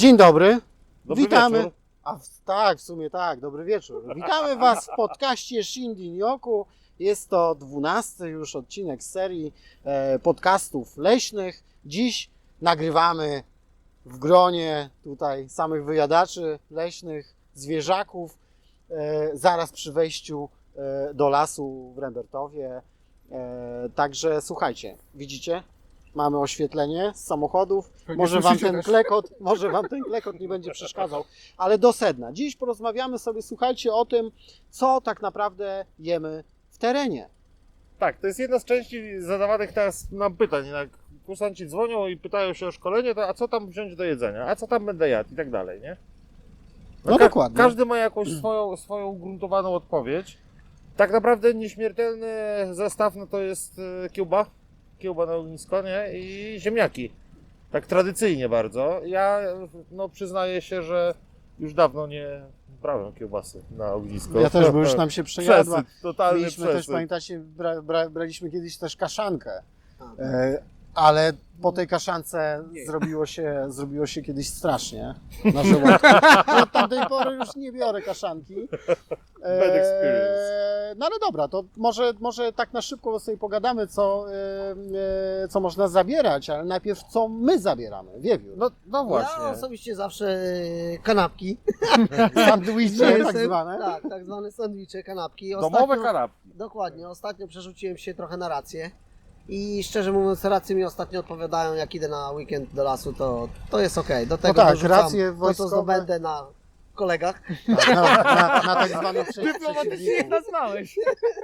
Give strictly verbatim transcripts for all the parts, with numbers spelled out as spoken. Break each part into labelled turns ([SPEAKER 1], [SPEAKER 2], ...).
[SPEAKER 1] Dzień dobry.
[SPEAKER 2] Dobry
[SPEAKER 1] Witamy.
[SPEAKER 2] wieczór.
[SPEAKER 1] A w, tak, w sumie tak, dobry wieczór. Witamy Was w podcaście Shindy Nyoku. Jest to dwunasty już odcinek z serii e, podcastów leśnych. Dziś nagrywamy w gronie tutaj samych wyjadaczy leśnych, zwierzaków, e, zaraz przy wejściu e, do lasu w Rembertowie. E, także słuchajcie, widzicie? Mamy oświetlenie z samochodów. Może wam ten klekot, może wam ten klekot nie będzie przeszkadzał, ale do sedna. Dziś porozmawiamy sobie, słuchajcie, o tym, co tak naprawdę jemy w terenie.
[SPEAKER 2] Tak, to jest jedna z części zadawanych teraz nam pytań. Jak kursanci dzwonią i pytają się o szkolenie, to a co tam wziąć do jedzenia, a co tam będę jadł i tak dalej, nie?
[SPEAKER 1] No
[SPEAKER 2] ka-
[SPEAKER 1] dokładnie.
[SPEAKER 2] Każdy ma jakąś swoją, swoją ugruntowaną odpowiedź. Tak naprawdę nieśmiertelny zestaw no to jest e, kiełba, kiełba na ognisko, nie? I ziemniaki. Tak tradycyjnie bardzo. Ja no przyznaję się, że już dawno nie brałem kiełbasy na ognisko.
[SPEAKER 1] Ja też, bo już nam się przejadła.
[SPEAKER 2] Przesyt, totalny
[SPEAKER 1] Mieliśmy
[SPEAKER 2] przesyt.
[SPEAKER 1] też, pamiętacie, bra, bra, braliśmy kiedyś też kaszankę, e, ale po tej kaszance zrobiło się, zrobiło się kiedyś strasznie na żołądku. Od tamtej pory już nie biorę kaszanki.
[SPEAKER 2] Bad experience.
[SPEAKER 1] No ale dobra, to może, może tak na szybko sobie pogadamy, co, e, e, co można zabierać, ale najpierw co my zabieramy, wiewiór.
[SPEAKER 2] No, no właśnie.
[SPEAKER 3] Ja osobiście zawsze e, kanapki.
[SPEAKER 1] Sandwicze tak
[SPEAKER 3] Jestem-
[SPEAKER 1] zwane.
[SPEAKER 3] Tak, tak zwane sandwicze, kanapki.
[SPEAKER 2] Domowe kanapki.
[SPEAKER 3] Dokładnie, ostatnio przerzuciłem się trochę na rację. I szczerze mówiąc, racje mi ostatnio odpowiadają, jak idę na weekend do lasu, to, to jest okej. Do tego
[SPEAKER 1] tak,
[SPEAKER 3] dorzucam
[SPEAKER 1] racje
[SPEAKER 3] to, co
[SPEAKER 1] wojskowe.
[SPEAKER 3] zdobędę na kolegach.
[SPEAKER 1] Tak, na, na, na tak zwanych prze-
[SPEAKER 4] Dyplomatycznie
[SPEAKER 1] przeciwników.
[SPEAKER 4] nazwałeś.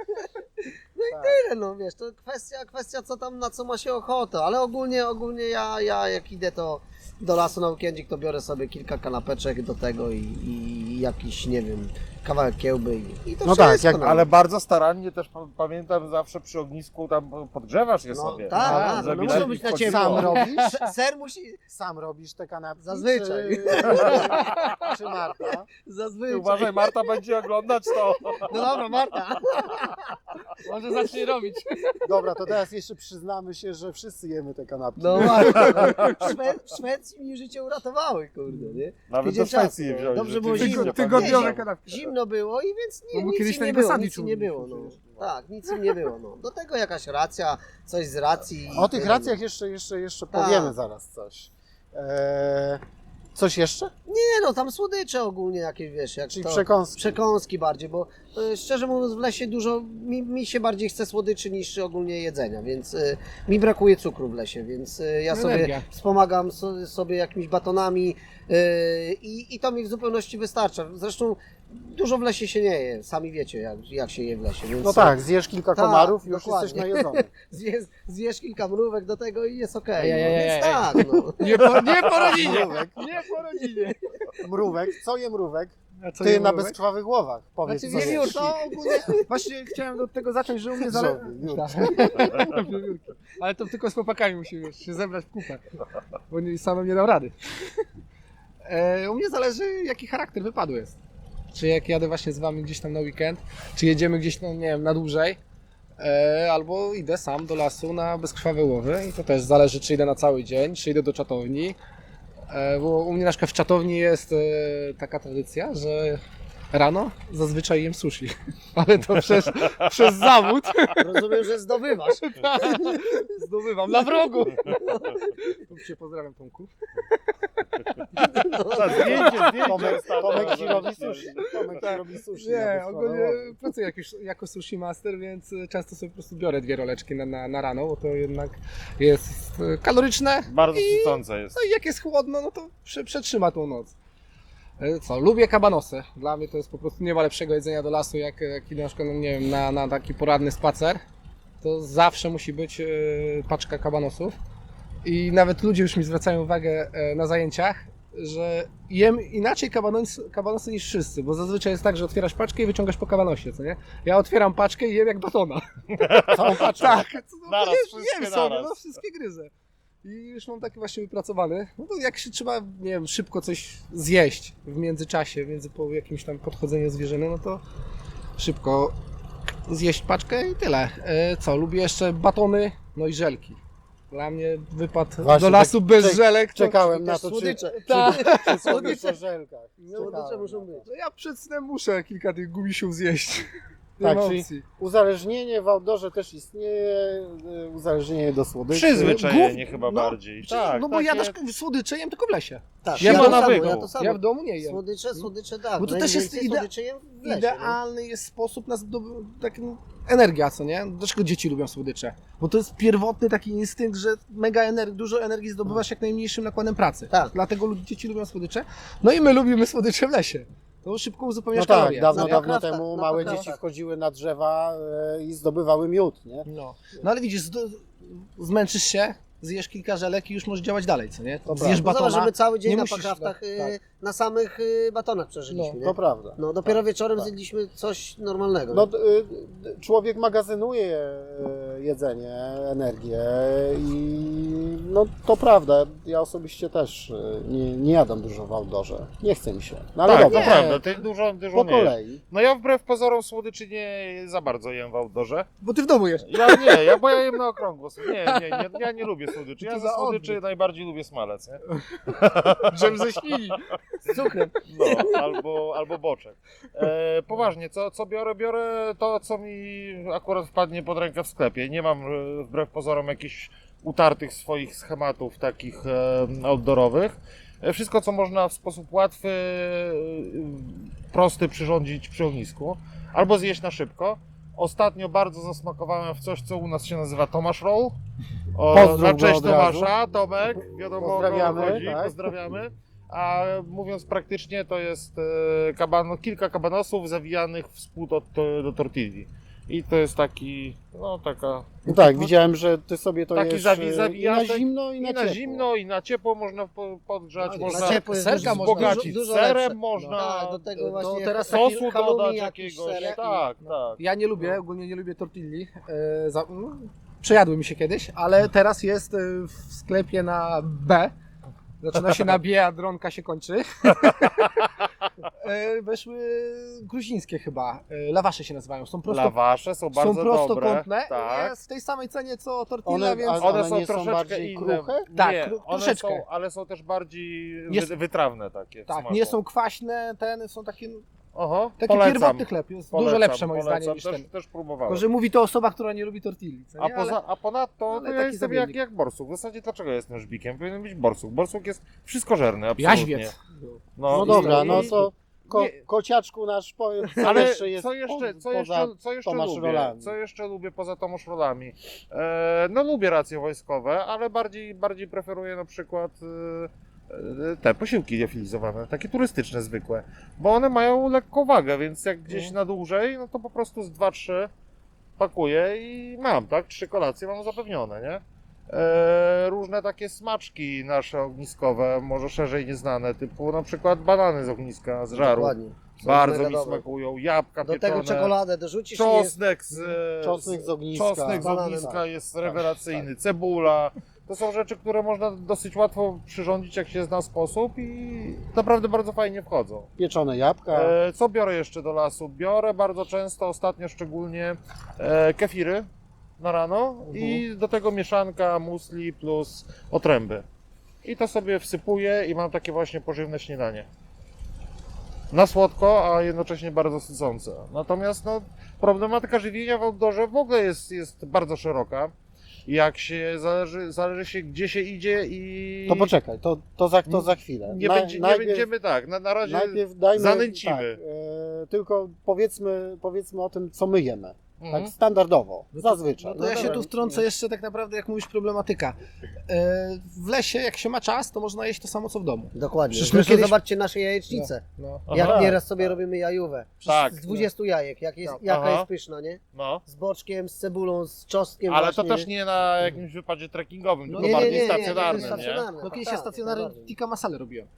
[SPEAKER 1] Tak.
[SPEAKER 3] Tyle, no wiesz, to kwestia, kwestia co tam, na co ma się ochotę, ale ogólnie, ogólnie ja, ja jak idę to do lasu na weekendzik, to biorę sobie kilka kanapeczek do tego i, i jakiś, nie wiem, kawałek kiełby i, i to
[SPEAKER 1] No tak,
[SPEAKER 3] wszystko.
[SPEAKER 1] jak-
[SPEAKER 3] no.
[SPEAKER 2] Ale bardzo starannie też pa- pamiętam zawsze przy ognisku tam podgrzewasz je
[SPEAKER 3] No,
[SPEAKER 2] sobie.
[SPEAKER 3] tak,
[SPEAKER 1] tak,
[SPEAKER 3] no,
[SPEAKER 2] żeby
[SPEAKER 3] muszą
[SPEAKER 2] lepiej
[SPEAKER 3] być na
[SPEAKER 2] wchodziło.
[SPEAKER 3] ciepło.
[SPEAKER 1] Sam robisz?
[SPEAKER 3] Se- Ser musi,
[SPEAKER 1] Sam robisz te kanapki?
[SPEAKER 3] Zazwyczaj.
[SPEAKER 1] Czy, czy Marta?
[SPEAKER 3] zazwyczaj.
[SPEAKER 2] Ty uważaj, Marta będzie oglądać to.
[SPEAKER 3] No dobra, Marta.
[SPEAKER 4] Może zacznie robić.
[SPEAKER 1] Dobra, to teraz jeszcze przyznamy się, że wszyscy jemy te kanapki.
[SPEAKER 3] No Marta. W, Szwe w Szwecji mi życie uratowały, kurde, nie?
[SPEAKER 2] Nawet
[SPEAKER 3] Tydzień
[SPEAKER 2] do Szwecji
[SPEAKER 3] czasu,
[SPEAKER 2] je wziąłeś.
[SPEAKER 3] dobrze było
[SPEAKER 2] rzeczywiście,
[SPEAKER 3] zimno.
[SPEAKER 2] pamiętam.
[SPEAKER 4] Tygodniowe kanapki.
[SPEAKER 3] Zimno było i więc nie,
[SPEAKER 4] No bo
[SPEAKER 3] nic
[SPEAKER 4] kiedyś
[SPEAKER 3] im
[SPEAKER 4] na
[SPEAKER 3] nie
[SPEAKER 4] niego
[SPEAKER 3] było,
[SPEAKER 4] sandwich
[SPEAKER 3] nic im nie było. No. Tak, nic im nie było. No. Do tego jakaś racja, coś z racji.
[SPEAKER 1] O tych
[SPEAKER 3] tyle,
[SPEAKER 1] racjach jeszcze, jeszcze, jeszcze
[SPEAKER 3] Tak.
[SPEAKER 1] powiemy zaraz coś. Eee, coś jeszcze?
[SPEAKER 3] Nie no, tam słodycze ogólnie jakieś, wiesz, jak
[SPEAKER 1] Czyli
[SPEAKER 3] to...
[SPEAKER 1] przekąski.
[SPEAKER 3] Przekąski bardziej, bo e, szczerze mówiąc w lesie dużo, mi, mi się bardziej chce słodyczy niż ogólnie jedzenia, więc e, mi brakuje cukru w lesie, więc e, ja sobie
[SPEAKER 4] Energia.
[SPEAKER 3] wspomagam so, sobie jakimiś batonami e, i, i to mi w zupełności wystarcza. Zresztą dużo w lesie się nie je, sami wiecie jak, jak się je w lesie, więc
[SPEAKER 1] No tak, zjesz kilka
[SPEAKER 3] Tak,
[SPEAKER 1] komarów i już
[SPEAKER 3] dokładnie.
[SPEAKER 1] jesteś najedzony.
[SPEAKER 3] zjesz, zjesz kilka mrówek do tego i jest okej,
[SPEAKER 4] Ej, ej,
[SPEAKER 3] no,
[SPEAKER 4] ej,
[SPEAKER 3] więc
[SPEAKER 4] ej.
[SPEAKER 3] tak, no.
[SPEAKER 4] Nie po, nie po rodzinie.
[SPEAKER 1] Mrówek.
[SPEAKER 4] Nie po rodzinie.
[SPEAKER 1] Mrówek, co je mrówek?
[SPEAKER 4] A co
[SPEAKER 1] Ty
[SPEAKER 4] nie
[SPEAKER 1] na
[SPEAKER 4] mrówek?
[SPEAKER 1] bezkrwawych głowach. Powiedz,
[SPEAKER 3] Znaczy,
[SPEAKER 1] co
[SPEAKER 3] wiewiórki.
[SPEAKER 1] jesz.
[SPEAKER 4] To ogólnie, właśnie chciałem od tego zacząć, że u mnie zależy...
[SPEAKER 1] Wiewiórki.
[SPEAKER 4] Ale to tylko z chłopakami musimy wiesz, się zebrać w kupę, bo nie, samym nie dam rady. E, u mnie zależy, jaki charakter wypadu jest. Czy jak jadę właśnie z wami gdzieś tam na weekend, czy jedziemy gdzieś, no, nie wiem, na dłużej, e, albo idę sam do lasu na bezkrwawe łowy i to też zależy, czy idę na cały dzień, czy idę do czatowni. E, bo u mnie na przykład w czatowni jest e, taka tradycja, że rano zazwyczaj jem sushi, ale to przez, przez zawód
[SPEAKER 3] Rozumiem, że zdobywasz.
[SPEAKER 4] zdobywam na wrogu. Cię pozdrawiam, Tomku.
[SPEAKER 2] Ta, zdjęcie, zdjęcie.
[SPEAKER 1] Tomek,
[SPEAKER 2] ostatnio,
[SPEAKER 1] Tomek ci
[SPEAKER 2] żeby
[SPEAKER 1] robi
[SPEAKER 2] ci-
[SPEAKER 1] sushi. Tomek ci robi sushi. na
[SPEAKER 4] Nie,
[SPEAKER 1] bezkrwawe
[SPEAKER 4] ogólnie
[SPEAKER 1] łowy.
[SPEAKER 4] pracuję jak już, jako sushi master, więc często sobie po prostu biorę dwie roleczki na, na, na rano, bo to jednak jest e, kaloryczne.
[SPEAKER 2] Bardzo
[SPEAKER 4] I-
[SPEAKER 2] sycące jest.
[SPEAKER 4] No i jak jest chłodno, no to prze, przetrzyma tą noc. E, Co, lubię kabanosy. Dla mnie to jest po prostu nie ma lepszego jedzenia do lasu, jak, jak idę na przykład, no nie wiem, na, na taki poranny spacer. To zawsze musi być e, paczka kabanosów. I nawet ludzie już mi zwracają uwagę e, na zajęciach, że jem inaczej kabanos, kabanosy niż wszyscy, bo zazwyczaj jest tak, że otwierasz paczkę i wyciągasz po kabanosie, co nie? Ja otwieram paczkę i jem jak batona.
[SPEAKER 1] Całą paczkę.
[SPEAKER 4] Tak, no,
[SPEAKER 2] Naraz,
[SPEAKER 4] jem,
[SPEAKER 2] wszystkie
[SPEAKER 4] jem sobie,
[SPEAKER 2] naraz.
[SPEAKER 4] no wszystkie gryzę. I już mam taki właśnie wypracowany. No to jak się trzeba, nie wiem, szybko coś zjeść w międzyczasie, między po jakimś tam podchodzeniu zwierzyny, no to szybko zjeść paczkę i tyle. E, co, lubię jeszcze batony, no i żelki. Dla mnie wypad
[SPEAKER 1] Właśnie,
[SPEAKER 4] do lasu
[SPEAKER 1] tak-
[SPEAKER 4] bez
[SPEAKER 1] czek-
[SPEAKER 4] żelek. to-
[SPEAKER 1] Czekałem na
[SPEAKER 3] Też
[SPEAKER 1] to, czy,
[SPEAKER 3] słodycze.
[SPEAKER 1] czy,
[SPEAKER 4] Tak.
[SPEAKER 1] czy słodycze w żelkach.
[SPEAKER 3] Słodycze
[SPEAKER 1] Czekałem
[SPEAKER 3] muszą
[SPEAKER 1] na to.
[SPEAKER 3] być.
[SPEAKER 4] No ja przed snem muszę kilka tych gumisiów zjeść.
[SPEAKER 1] Tak,
[SPEAKER 4] Emocji.
[SPEAKER 1] czyli uzależnienie w outdoorze też istnieje, y, uzależnienie do słodyczy.
[SPEAKER 2] Przyzwyczajenie
[SPEAKER 4] Głów-
[SPEAKER 2] chyba
[SPEAKER 4] no,
[SPEAKER 2] bardziej. Tak,
[SPEAKER 4] no bo ja
[SPEAKER 2] takie-
[SPEAKER 4] też słodycze jem tylko w lesie.
[SPEAKER 3] Tak,
[SPEAKER 2] Nie
[SPEAKER 3] ja
[SPEAKER 2] ma
[SPEAKER 3] to samo,
[SPEAKER 2] nawyku.
[SPEAKER 3] ja to samo.
[SPEAKER 4] Ja w domu nie jem.
[SPEAKER 3] Słodycze, słodycze, tak.
[SPEAKER 4] Bo to też jest
[SPEAKER 3] Najwięcej
[SPEAKER 4] ide-
[SPEAKER 3] słodyczy jem w lesie,
[SPEAKER 4] Idealny jest sposób na zdoby- taki, no, energia, co nie? Dlaczego dzieci lubią słodycze? Bo to jest pierwotny taki instynkt, że mega ener- dużo energii zdobywasz jak najmniejszym nakładem pracy.
[SPEAKER 3] Tak.
[SPEAKER 4] Dlatego lud- dzieci lubią słodycze. No i my lubimy słodycze w lesie. To szybko
[SPEAKER 1] No
[SPEAKER 4] uzupełniasz
[SPEAKER 1] tak,
[SPEAKER 4] kalorie.
[SPEAKER 1] dawno,
[SPEAKER 3] Na
[SPEAKER 1] dawno
[SPEAKER 3] pokraftach,
[SPEAKER 1] temu
[SPEAKER 3] na
[SPEAKER 1] małe
[SPEAKER 3] pokraftach.
[SPEAKER 1] dzieci wchodziły na drzewa e, i zdobywały miód, nie?
[SPEAKER 4] No. no ale widzisz, zdo- zmęczysz się, zjesz kilka żelek i już możesz działać dalej, co nie?
[SPEAKER 1] To
[SPEAKER 4] Zjesz
[SPEAKER 1] prawda.
[SPEAKER 3] No zobacz, że
[SPEAKER 4] batona.
[SPEAKER 3] my cały dzień
[SPEAKER 4] nie
[SPEAKER 3] na
[SPEAKER 4] musisz-
[SPEAKER 3] pokraftach
[SPEAKER 4] no,
[SPEAKER 3] y,
[SPEAKER 4] tak.
[SPEAKER 3] na samych y, batonach przeżyliśmy,
[SPEAKER 1] To
[SPEAKER 3] nie?
[SPEAKER 1] prawda.
[SPEAKER 3] No dopiero wieczorem
[SPEAKER 1] tak.
[SPEAKER 3] zjedliśmy coś normalnego.
[SPEAKER 1] No,
[SPEAKER 3] nie?
[SPEAKER 1] d- y, człowiek magazynuje e, jedzenie, energię i no to prawda, ja osobiście też e, nie, nie jadam dużo w outdoorze, nie chce mi się, no ale
[SPEAKER 2] Tak,
[SPEAKER 1] dobra,
[SPEAKER 2] to prawda, ty dużo, dużo
[SPEAKER 1] po
[SPEAKER 2] nie jesz.
[SPEAKER 1] kolei.
[SPEAKER 2] No ja wbrew pozorom słodyczy nie za bardzo jem w outdoorze.
[SPEAKER 4] Bo ty w domu jesz.
[SPEAKER 2] Ja nie, ja, bo ja jem na okrągło. Nie, nie, nie, ja nie lubię słodyczy. Ja
[SPEAKER 4] To
[SPEAKER 2] ze
[SPEAKER 4] za
[SPEAKER 2] słodyczy
[SPEAKER 4] odbyt.
[SPEAKER 2] najbardziej lubię smalec, nie?
[SPEAKER 4] Dżem ze świni. Z cukrem.
[SPEAKER 2] No, albo, albo boczek. E, poważnie, co, co biorę? Biorę to, co mi akurat wpadnie pod rękę w sklepie. Nie mam e, wbrew pozorom jakichś utartych swoich schematów takich e, outdoorowych. E, Wszystko, co można w sposób łatwy, e, prosty przyrządzić przy ognisku, albo zjeść na szybko. Ostatnio bardzo zasmakowałem w coś, co u nas się nazywa Tomasz Roll. O,
[SPEAKER 1] Pozdrów
[SPEAKER 2] na
[SPEAKER 1] go
[SPEAKER 2] cześć
[SPEAKER 1] od razu.
[SPEAKER 2] Tomasza, Tomek, wiadomo o kogo
[SPEAKER 1] Pozdrawiamy,
[SPEAKER 2] chodzi,
[SPEAKER 1] tak.
[SPEAKER 2] pozdrawiamy. A mówiąc praktycznie, to jest e, kaban, kilka kabanosów zawijanych w spód od, to, do tortilli. I to jest taki, no taka...
[SPEAKER 1] No tak, widziałem, że ty sobie to
[SPEAKER 2] Taki
[SPEAKER 1] jesz
[SPEAKER 2] zawi-
[SPEAKER 1] e, i na
[SPEAKER 2] zawijatek
[SPEAKER 1] zimno, i
[SPEAKER 2] I
[SPEAKER 1] na,
[SPEAKER 2] na
[SPEAKER 1] ciepło.
[SPEAKER 2] zimno, i na ciepło można po- podgrzać,
[SPEAKER 3] No,
[SPEAKER 2] można
[SPEAKER 3] na ciepło jest
[SPEAKER 4] serka
[SPEAKER 3] dużo-
[SPEAKER 4] można
[SPEAKER 2] wzbogacić
[SPEAKER 3] dużo
[SPEAKER 2] serem,
[SPEAKER 3] lepsze.
[SPEAKER 2] można
[SPEAKER 3] Tak, do tego
[SPEAKER 4] to
[SPEAKER 3] właśnie
[SPEAKER 4] teraz
[SPEAKER 3] taki
[SPEAKER 2] sosu
[SPEAKER 3] halloumi
[SPEAKER 2] dodać
[SPEAKER 3] jakiś
[SPEAKER 2] jakiegoś.
[SPEAKER 3] serek.
[SPEAKER 2] Tak, tak.
[SPEAKER 4] Ja nie lubię, ogólnie nie lubię tortilli. E, za, no, przejadły mi się kiedyś, ale teraz jest e, w sklepie na B. Zaczyna się na B, a dronka się kończy. e, weszły gruzińskie chyba. E, lawasze się nazywają. Są prosto,
[SPEAKER 2] Lawasze są bardzo
[SPEAKER 4] są prostokątne.
[SPEAKER 2] dobre. Tak.
[SPEAKER 4] Jest w tej samej cenie co tortilla,
[SPEAKER 1] One,
[SPEAKER 4] więc...
[SPEAKER 1] a
[SPEAKER 2] One,
[SPEAKER 1] one
[SPEAKER 2] są
[SPEAKER 1] nie są
[SPEAKER 2] troszeczkę
[SPEAKER 1] bardziej
[SPEAKER 2] inne.
[SPEAKER 1] kruche?
[SPEAKER 4] Tak,
[SPEAKER 2] nie,
[SPEAKER 4] kru-
[SPEAKER 2] one
[SPEAKER 4] troszeczkę.
[SPEAKER 2] są, ale są też bardziej
[SPEAKER 4] Jest-
[SPEAKER 2] wy, wytrawne takie. w
[SPEAKER 4] Tak,
[SPEAKER 2] smaku.
[SPEAKER 4] nie są kwaśne, ten są takie,
[SPEAKER 2] Oho,
[SPEAKER 4] taki
[SPEAKER 2] polecam,
[SPEAKER 4] pierwotny chleb. Jest
[SPEAKER 2] polecam,
[SPEAKER 4] dużo lepsze moim
[SPEAKER 2] polecam,
[SPEAKER 4] zdaniem niż
[SPEAKER 2] też,
[SPEAKER 4] ten.
[SPEAKER 2] też
[SPEAKER 4] Tylko,
[SPEAKER 2] próbowałem.
[SPEAKER 4] że mówi to osoba, która nie lubi tortilli. Co
[SPEAKER 2] A,
[SPEAKER 4] nie?
[SPEAKER 2] poza, a ponadto
[SPEAKER 4] ale
[SPEAKER 2] to ja
[SPEAKER 4] taki
[SPEAKER 2] jestem jak,
[SPEAKER 4] zamiennik.
[SPEAKER 2] jak borsuk. W zasadzie dlaczego ja jestem żbikiem? Powinien być borsuk. Borsuk jest wszystkożerny, absolutnie.
[SPEAKER 4] Jaźwiec.
[SPEAKER 1] No
[SPEAKER 2] i-
[SPEAKER 1] dobra,
[SPEAKER 2] i-
[SPEAKER 1] no to ko,
[SPEAKER 2] nie-
[SPEAKER 1] kociaczku nasz powiedz, co
[SPEAKER 2] Ale
[SPEAKER 1] jeszcze jest
[SPEAKER 2] co jeszcze,
[SPEAKER 1] po,
[SPEAKER 2] co
[SPEAKER 1] poza
[SPEAKER 2] jeszcze, co jeszcze
[SPEAKER 1] Tomasz
[SPEAKER 2] lubię?
[SPEAKER 1] Rolami?
[SPEAKER 2] Co jeszcze lubię poza Tomasz Rolami? E, no lubię racje wojskowe, ale bardziej, bardziej preferuję na przykład e, e, te posiłki liofilizowane, takie turystyczne zwykłe, bo one mają lekką wagę, więc jak gdzieś
[SPEAKER 1] Mhm.
[SPEAKER 2] na dłużej, no to po prostu z dwa trzy pakuję i mam, tak? Trzy kolacje mam zapewnione, nie? E, różne takie smaczki nasze ogniskowe, może szerzej nieznane, typu na przykład banany z ogniska, z żaru.
[SPEAKER 3] Dokładnie. Są
[SPEAKER 2] Bardzo
[SPEAKER 3] mega
[SPEAKER 2] mi
[SPEAKER 3] dobre.
[SPEAKER 2] smakują, jabłka
[SPEAKER 3] Do
[SPEAKER 2] pieczone,
[SPEAKER 3] tego czekoladę dorzucisz i jest...
[SPEAKER 2] czosnek z, e,
[SPEAKER 1] Czosnek z ogniska.
[SPEAKER 2] czosnek z
[SPEAKER 3] Bananem.
[SPEAKER 2] ogniska
[SPEAKER 1] Tak.
[SPEAKER 2] jest rewelacyjny, cebula. To są rzeczy, które można dosyć łatwo przyrządzić, jak się zna sposób i naprawdę bardzo fajnie wchodzą.
[SPEAKER 1] Pieczone jabłka.
[SPEAKER 2] E, co biorę jeszcze do lasu? Biorę bardzo często, ostatnio szczególnie, e, kefiry na rano i do tego mieszanka musli plus otręby. I to sobie wsypuję i mam takie właśnie pożywne śniadanie. Na słodko, a jednocześnie bardzo sycące. Natomiast no, problematyka żywienia w outdoorze w ogóle jest, jest bardzo szeroka. Jak się zależy, zależy się gdzie się idzie i
[SPEAKER 1] To poczekaj, to, to, za, to za chwilę.
[SPEAKER 2] nie,
[SPEAKER 1] Na-
[SPEAKER 2] będzie, nie
[SPEAKER 1] najpierw,
[SPEAKER 2] będziemy tak, na, na razie
[SPEAKER 1] najpierw dajmy,
[SPEAKER 2] zanęcimy.
[SPEAKER 1] Tak, e, tylko powiedzmy, powiedzmy o tym, co my jemy.
[SPEAKER 2] Mhm.
[SPEAKER 1] Tak standardowo, zazwyczaj.
[SPEAKER 4] No to ja się
[SPEAKER 1] dobra.
[SPEAKER 4] tu wtrącę jeszcze tak naprawdę, jak mówisz, problematyka. E, w lesie, jak się ma czas, to można jeść to samo, co w domu.
[SPEAKER 3] Dokładnie.
[SPEAKER 4] Przecież
[SPEAKER 3] Zresztą
[SPEAKER 4] my kiedyś-
[SPEAKER 3] zobaczcie nasze jajecznice.
[SPEAKER 4] No.
[SPEAKER 3] Jak
[SPEAKER 2] Aha,
[SPEAKER 3] nieraz sobie
[SPEAKER 1] tak.
[SPEAKER 3] robimy jajówę.
[SPEAKER 2] Tak.
[SPEAKER 3] Z dwudziestu jajek. Jak jest,
[SPEAKER 4] Tak.
[SPEAKER 3] jaka
[SPEAKER 2] Aha.
[SPEAKER 3] jest pyszna, nie?
[SPEAKER 2] No.
[SPEAKER 3] Z boczkiem, z cebulą, z czosnkiem
[SPEAKER 2] Ale to
[SPEAKER 3] właśnie.
[SPEAKER 2] też nie na jakimś wypadzie trekkingowym,
[SPEAKER 4] No
[SPEAKER 2] tylko
[SPEAKER 4] nie, nie,
[SPEAKER 2] bardziej
[SPEAKER 4] nie, nie,
[SPEAKER 2] stacjonarnym,
[SPEAKER 3] nie,
[SPEAKER 2] nie?
[SPEAKER 3] stacjonarne.
[SPEAKER 4] No kiedyś
[SPEAKER 3] tak,
[SPEAKER 4] ja stacjonarny
[SPEAKER 3] najbardziej.
[SPEAKER 4] tikka masale robiłem.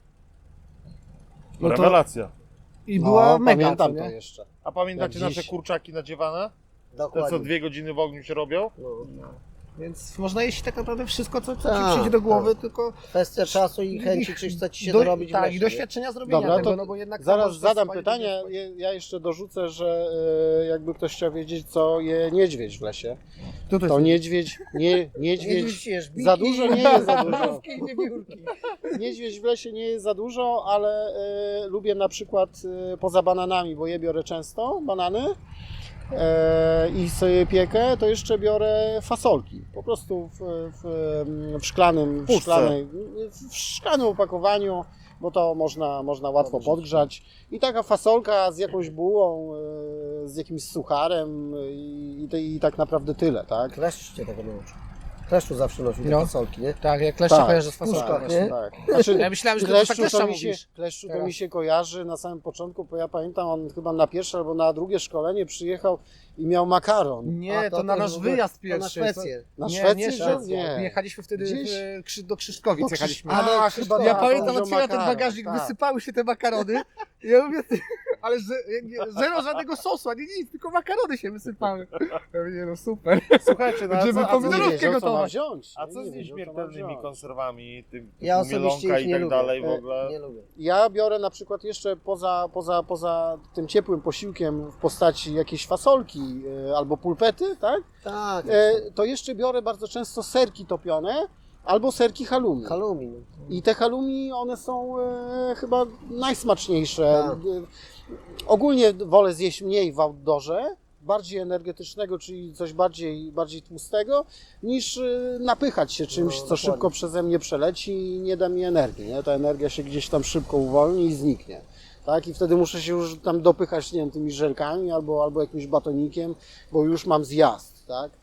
[SPEAKER 4] No to,
[SPEAKER 2] Rewelacja.
[SPEAKER 4] I
[SPEAKER 1] No,
[SPEAKER 4] była mega,
[SPEAKER 1] pamiętam
[SPEAKER 4] co
[SPEAKER 1] to
[SPEAKER 4] nie?
[SPEAKER 1] jeszcze.
[SPEAKER 2] A pamiętacie
[SPEAKER 1] Jak dziś-
[SPEAKER 2] nasze kurczaki nadziewane? Te co
[SPEAKER 3] Dokładnie.
[SPEAKER 2] dwie godziny w ogniu się robią?
[SPEAKER 3] No.
[SPEAKER 4] Więc można jeść tak naprawdę wszystko, co, co
[SPEAKER 3] Tak,
[SPEAKER 4] ci przyjdzie do głowy,
[SPEAKER 3] tak.
[SPEAKER 4] tylko
[SPEAKER 3] Kwestia czasu i chęci, czy chce ci się
[SPEAKER 4] do,
[SPEAKER 3] dorobić w
[SPEAKER 4] tak,
[SPEAKER 3] lesie,
[SPEAKER 4] i
[SPEAKER 3] nie?
[SPEAKER 4] doświadczenia zrobienia
[SPEAKER 1] Dobra,
[SPEAKER 4] tego,
[SPEAKER 1] to
[SPEAKER 4] no bo jednak
[SPEAKER 1] Zaraz
[SPEAKER 4] możesz
[SPEAKER 1] zadam
[SPEAKER 4] spalić,
[SPEAKER 1] pytanie.
[SPEAKER 4] nie
[SPEAKER 1] Je- Ja jeszcze dorzucę, że e, jakby ktoś chciał wiedzieć, co je niedźwiedź w lesie.
[SPEAKER 4] To, to
[SPEAKER 1] To
[SPEAKER 4] jest
[SPEAKER 1] niedźwiedź, nie,
[SPEAKER 3] Nie
[SPEAKER 1] niedźwiedź
[SPEAKER 3] widzisz, biki,
[SPEAKER 1] za dużo nie jest za dużo.
[SPEAKER 3] mrówki i wiewiórki.
[SPEAKER 1] Niedźwiedź w lesie nie jest za dużo, ale e, lubię na przykład e, poza bananami, bo je biorę często, banany e, i sobie piekę, to jeszcze biorę fasolki. Po prostu w, w, w szklanym, w,
[SPEAKER 2] Puszce.
[SPEAKER 1] szklanej, w szklanym opakowaniu, bo to można, można łatwo
[SPEAKER 3] Dobrze.
[SPEAKER 1] podgrzać. I taka fasolka z jakąś bułą, e, z jakimś sucharem i, i, i tak naprawdę tyle, tak?
[SPEAKER 3] Kleszcz cię tego nauczył. Kleszczu zawsze nosił te
[SPEAKER 4] No.
[SPEAKER 3] fasolki, nie?
[SPEAKER 4] Tak, jak kleszcze
[SPEAKER 1] Tak,
[SPEAKER 4] kojarzę z
[SPEAKER 3] puszkach,
[SPEAKER 4] fasolką.
[SPEAKER 3] nie?
[SPEAKER 1] Tak. Znaczy,
[SPEAKER 4] Ja myślałem, że to
[SPEAKER 1] Kleszczu
[SPEAKER 4] kleszcza
[SPEAKER 1] to, mi się,
[SPEAKER 4] mówisz.
[SPEAKER 1] kleszczu to
[SPEAKER 4] Teraz.
[SPEAKER 1] mi się kojarzy na samym początku, bo ja pamiętam, on chyba na pierwsze albo na drugie szkolenie przyjechał i miał makaron.
[SPEAKER 4] Nie,
[SPEAKER 3] A
[SPEAKER 4] to,
[SPEAKER 3] to
[SPEAKER 4] na
[SPEAKER 3] też
[SPEAKER 4] nasz
[SPEAKER 3] w ogóle-
[SPEAKER 4] wyjazd
[SPEAKER 3] To na
[SPEAKER 4] pierwszy.
[SPEAKER 3] Szwecję.
[SPEAKER 1] Na
[SPEAKER 4] nie,
[SPEAKER 1] Szwecję?
[SPEAKER 4] nie,
[SPEAKER 1] że?
[SPEAKER 4] Szwecja.
[SPEAKER 1] Nie.
[SPEAKER 4] Jechaliśmy wtedy
[SPEAKER 1] Gdzieś?
[SPEAKER 4] w, Krzy- do Krzyszkowic.
[SPEAKER 1] Do Krzyż-
[SPEAKER 4] jechaliśmy.
[SPEAKER 1] A,
[SPEAKER 3] A,
[SPEAKER 1] chyba
[SPEAKER 3] to
[SPEAKER 4] Ja
[SPEAKER 1] tak,
[SPEAKER 4] pamiętam,
[SPEAKER 1] wziął
[SPEAKER 4] otwieram ten
[SPEAKER 1] makaron,
[SPEAKER 4] bagażnik,
[SPEAKER 1] tak.
[SPEAKER 4] wysypały się te makarony. I ja mówię, ty, ale że, nie, zero żadnego sosu, ani nic, tylko makarony się wysypały. Ja mówię, no super.
[SPEAKER 2] Słuchajcie, no, a
[SPEAKER 4] Żeby
[SPEAKER 2] co, a co,
[SPEAKER 1] Nie
[SPEAKER 4] pomidorówkę
[SPEAKER 1] wiedział, co ma
[SPEAKER 4] gotować.
[SPEAKER 1] wziąć.
[SPEAKER 2] a
[SPEAKER 1] Nie,
[SPEAKER 2] co
[SPEAKER 1] nie
[SPEAKER 2] z
[SPEAKER 1] wiedział, co ma
[SPEAKER 2] nieśmiertelnymi
[SPEAKER 1] wziąć.
[SPEAKER 2] konserwami, tym
[SPEAKER 3] Ja
[SPEAKER 2] typu
[SPEAKER 3] osobiście
[SPEAKER 2] mielonka
[SPEAKER 3] ich
[SPEAKER 2] i
[SPEAKER 3] nie
[SPEAKER 2] tak
[SPEAKER 3] lubię.
[SPEAKER 2] dalej w
[SPEAKER 3] E,
[SPEAKER 2] ogóle?
[SPEAKER 3] Nie lubię.
[SPEAKER 1] Ja biorę na przykład jeszcze poza, poza, poza tym ciepłym posiłkiem w postaci jakiejś fasolki e, albo pulpety, tak?
[SPEAKER 3] Tak,
[SPEAKER 1] E, to jeszcze biorę bardzo często serki topione albo serki halloumi.
[SPEAKER 3] halloumi. No.
[SPEAKER 1] I te halloumi, one są e, chyba najsmaczniejsze.
[SPEAKER 3] Tak.
[SPEAKER 1] E, ogólnie wolę zjeść mniej w outdoorze, bardziej energetycznego, czyli coś bardziej, bardziej tłustego, niż e, napychać się czymś,
[SPEAKER 3] No,
[SPEAKER 1] co
[SPEAKER 3] dokładnie.
[SPEAKER 1] szybko przeze mnie przeleci i nie da mi energii. Nie? Ta energia się gdzieś tam szybko uwolni i zniknie. Tak? I wtedy muszę się już tam dopychać, nie wiem, tymi żelkami albo, albo jakimś batonikiem, bo już mam zjazd. Tak?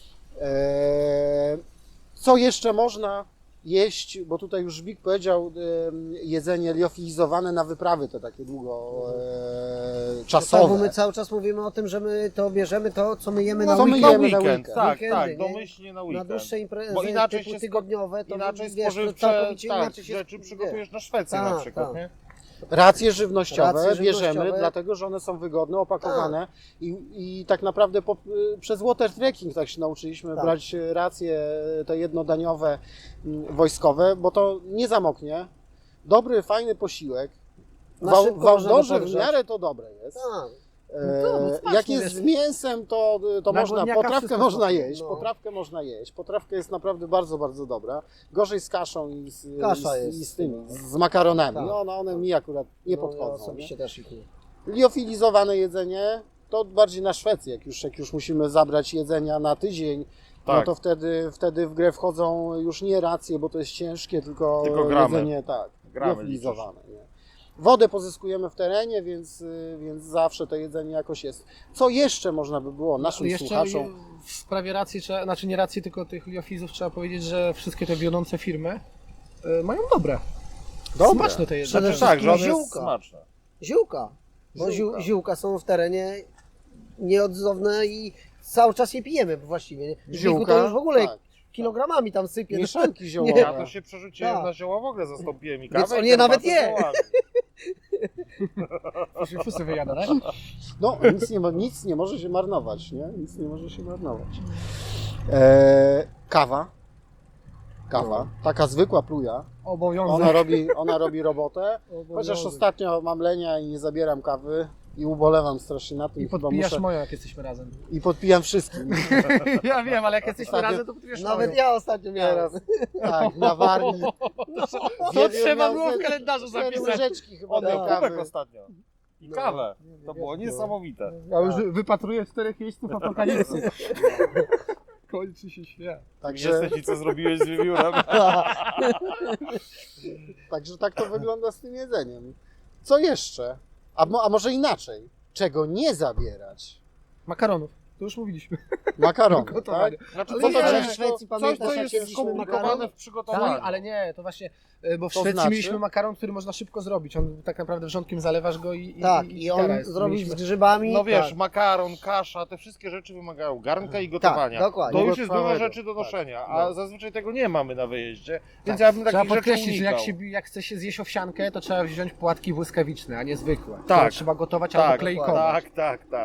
[SPEAKER 1] Eee, co jeszcze można jeść, bo tutaj już Żbik powiedział, em, jedzenie liofilizowane na wyprawy te takie długo e,
[SPEAKER 3] Tak, bo
[SPEAKER 1] czasowe.
[SPEAKER 3] my cały czas mówimy o tym, że my to bierzemy to, co my jemy
[SPEAKER 1] No,
[SPEAKER 3] na
[SPEAKER 1] co my
[SPEAKER 3] weekend.
[SPEAKER 1] jemy na
[SPEAKER 2] weekend,
[SPEAKER 1] weekend.
[SPEAKER 2] tak,
[SPEAKER 3] Weekendy,
[SPEAKER 2] tak,
[SPEAKER 3] nie?
[SPEAKER 2] domyślnie na
[SPEAKER 3] Na
[SPEAKER 2] weekend.
[SPEAKER 3] dłuższe imprezy
[SPEAKER 2] Bo inaczej
[SPEAKER 3] typu
[SPEAKER 2] się
[SPEAKER 3] tygodniowe, to
[SPEAKER 2] Inaczej
[SPEAKER 3] wiesz, to
[SPEAKER 2] spożywcze
[SPEAKER 3] całkowicie
[SPEAKER 2] tak,
[SPEAKER 3] inaczej się
[SPEAKER 2] rzeczy
[SPEAKER 3] wie.
[SPEAKER 2] przygotujesz na Szwecję
[SPEAKER 3] Tak,
[SPEAKER 2] na przykład,
[SPEAKER 3] tak.
[SPEAKER 2] nie?
[SPEAKER 1] Racje żywnościowe
[SPEAKER 3] Racje
[SPEAKER 1] bierzemy,
[SPEAKER 3] żywnościowe.
[SPEAKER 1] dlatego że one są wygodne, opakowane i, i tak naprawdę po, przez water trekking tak się nauczyliśmy
[SPEAKER 3] Tak.
[SPEAKER 1] brać racje te jednodaniowe mm, wojskowe, bo to nie zamoknie. Dobry, fajny posiłek. W,
[SPEAKER 3] Na
[SPEAKER 1] au-
[SPEAKER 3] szybko
[SPEAKER 1] w
[SPEAKER 3] można
[SPEAKER 1] outdoorze w
[SPEAKER 3] podgrzać.
[SPEAKER 1] miarę to dobre jest.
[SPEAKER 3] Tak.
[SPEAKER 1] E,
[SPEAKER 4] No, no, smacznie
[SPEAKER 1] jak jest
[SPEAKER 4] jest.
[SPEAKER 1] z mięsem, to, to
[SPEAKER 4] Na
[SPEAKER 1] można,
[SPEAKER 4] głodniaka
[SPEAKER 1] potrawkę
[SPEAKER 4] wszystko
[SPEAKER 1] można
[SPEAKER 4] smakuje.
[SPEAKER 1] jeść,
[SPEAKER 3] No.
[SPEAKER 1] potrawkę można jeść. Potrawka jest naprawdę bardzo, bardzo dobra. Gorzej z kaszą i z,
[SPEAKER 3] Kasza
[SPEAKER 1] i z,
[SPEAKER 3] jest.
[SPEAKER 1] i z tymi, z makaronami.
[SPEAKER 3] Tak.
[SPEAKER 1] No, no one mi akurat nie
[SPEAKER 3] No,
[SPEAKER 1] podchodzą.
[SPEAKER 3] ja
[SPEAKER 1] nie?
[SPEAKER 3] osobiście też ich nie.
[SPEAKER 1] Liofilizowane jedzenie to bardziej na Szwecję, jak już, jak już musimy zabrać jedzenia na tydzień, no
[SPEAKER 2] Tak.
[SPEAKER 1] to wtedy, wtedy w grę wchodzą już nie racje, bo to jest ciężkie, tylko,
[SPEAKER 2] Tylko gramy.
[SPEAKER 1] jedzenie tak,
[SPEAKER 2] Gramy
[SPEAKER 1] liofilizowane. Nie? Wodę pozyskujemy w terenie, więc, y, więc zawsze to jedzenie jakoś jest. Co jeszcze można by było naszym
[SPEAKER 4] Jeszcze
[SPEAKER 1] słuchaczom?
[SPEAKER 4] w sprawie racji, trzeba, znaczy nie racji, tylko tych liofizów trzeba powiedzieć, że wszystkie te wiodące firmy y, mają dobre.
[SPEAKER 1] Dobre.
[SPEAKER 4] Smaczne te jedzenie.
[SPEAKER 3] Przede
[SPEAKER 2] Tak, że one
[SPEAKER 3] Ziółka.
[SPEAKER 2] jest smaczne.
[SPEAKER 3] Ziółka. Bo
[SPEAKER 1] Ziółka.
[SPEAKER 3] ziół, ziółka są w terenie nieodzowne i cały czas je pijemy właściwie. Nie? W Żbiku to już w ogóle
[SPEAKER 1] tak,
[SPEAKER 3] kilogramami tam sypie.
[SPEAKER 1] mieszanki ziołowe.
[SPEAKER 3] Nie.
[SPEAKER 2] Ja to się przerzuciłem
[SPEAKER 3] Tak.
[SPEAKER 2] na zioła w ogóle, zastąpiłem i
[SPEAKER 3] Więc
[SPEAKER 2] kawę
[SPEAKER 3] on
[SPEAKER 2] i
[SPEAKER 3] je nawet
[SPEAKER 2] herbatę
[SPEAKER 3] je.
[SPEAKER 2] ziołami.
[SPEAKER 4] Już się wszyscy wyjada, tak?
[SPEAKER 1] No, nic nie, mo- nic nie może się marnować, nie? Nic nie może się marnować. E, kawa. Kawa. Taka zwykła pluja.
[SPEAKER 4] Obowiązek.
[SPEAKER 1] Ona robi, ona robi robotę.
[SPEAKER 4] Obowiązek.
[SPEAKER 1] Chociaż ostatnio mam lenia i nie zabieram kawy i ubolewam strasznie na tym.
[SPEAKER 4] I
[SPEAKER 1] chyba
[SPEAKER 4] podpijasz
[SPEAKER 1] muszę...
[SPEAKER 4] moją, jak jesteśmy razem.
[SPEAKER 1] I podpijam wszystkim.
[SPEAKER 4] Ja wiem, ale jak jesteśmy
[SPEAKER 1] Ostatnio-
[SPEAKER 4] razem, to podpijasz
[SPEAKER 3] Nawet
[SPEAKER 4] moją.
[SPEAKER 3] ja ostatnio miałem.
[SPEAKER 1] Teraz, tak, na Warmii.
[SPEAKER 4] To trzeba było w kalendarzu
[SPEAKER 1] Cztery
[SPEAKER 4] zapisać.
[SPEAKER 1] łyżeczki chyba
[SPEAKER 2] On
[SPEAKER 1] tej
[SPEAKER 2] miał
[SPEAKER 1] kawy.
[SPEAKER 2] kubek ostatnio. I
[SPEAKER 1] No.
[SPEAKER 2] kawę. To
[SPEAKER 1] No.
[SPEAKER 2] było niesamowite.
[SPEAKER 4] Ja już wypatruję czterech jeźdźców apokalipsy. Kończy się świat.
[SPEAKER 1] Także,
[SPEAKER 2] Jesteś i co zrobiłeś z wiewiórem?
[SPEAKER 1] także tak to wygląda z tym jedzeniem. Co jeszcze? A, mo- a może inaczej? Czego nie zabierać?
[SPEAKER 4] Makaronów. To już mówiliśmy.
[SPEAKER 1] Makarony, tak?
[SPEAKER 4] Gotowanie.
[SPEAKER 2] Znaczy,
[SPEAKER 4] Ale
[SPEAKER 2] co
[SPEAKER 4] nie,
[SPEAKER 2] to
[SPEAKER 3] ale
[SPEAKER 2] jest?
[SPEAKER 3] w Szwecji
[SPEAKER 2] Coś,
[SPEAKER 3] pamiętasz,
[SPEAKER 2] co
[SPEAKER 3] jak
[SPEAKER 2] jest
[SPEAKER 3] jedliśmy
[SPEAKER 2] skomplikowane
[SPEAKER 3] makaron?
[SPEAKER 2] w przygotowaniu.
[SPEAKER 4] Tak, ale nie, to właśnie, e, bo w
[SPEAKER 1] To
[SPEAKER 4] Szwecji
[SPEAKER 1] znaczy?
[SPEAKER 4] mieliśmy makaron, który można szybko zrobić. On tak naprawdę wrzątkiem zalewasz go i, i
[SPEAKER 3] Tak,
[SPEAKER 4] i,
[SPEAKER 3] i on
[SPEAKER 4] gitara jest.
[SPEAKER 3] zrobił z
[SPEAKER 4] Mieliśmy-
[SPEAKER 3] grzybami.
[SPEAKER 2] No wiesz,
[SPEAKER 3] tak.
[SPEAKER 2] makaron, kasza, te wszystkie rzeczy wymagają garnka i gotowania.
[SPEAKER 3] Tak, dokładnie.
[SPEAKER 2] To już jest dużo
[SPEAKER 1] Długotrwałego,
[SPEAKER 2] rzeczy do
[SPEAKER 1] tak.
[SPEAKER 2] noszenia, a
[SPEAKER 1] No.
[SPEAKER 2] zazwyczaj tego nie mamy na wyjeździe, więc
[SPEAKER 4] Tak.
[SPEAKER 2] ja bym
[SPEAKER 4] Trzeba
[SPEAKER 2] takich rzeczy
[SPEAKER 4] podkreślić, że jak,
[SPEAKER 2] unikał.
[SPEAKER 4] się, jak chce się zjeść owsiankę, to trzeba wziąć płatki błyskawiczne, a nie zwykłe.
[SPEAKER 2] Tak.
[SPEAKER 4] Które trzeba gotować
[SPEAKER 2] Tak,
[SPEAKER 4] albo klejkować.
[SPEAKER 2] tak, tak, tak.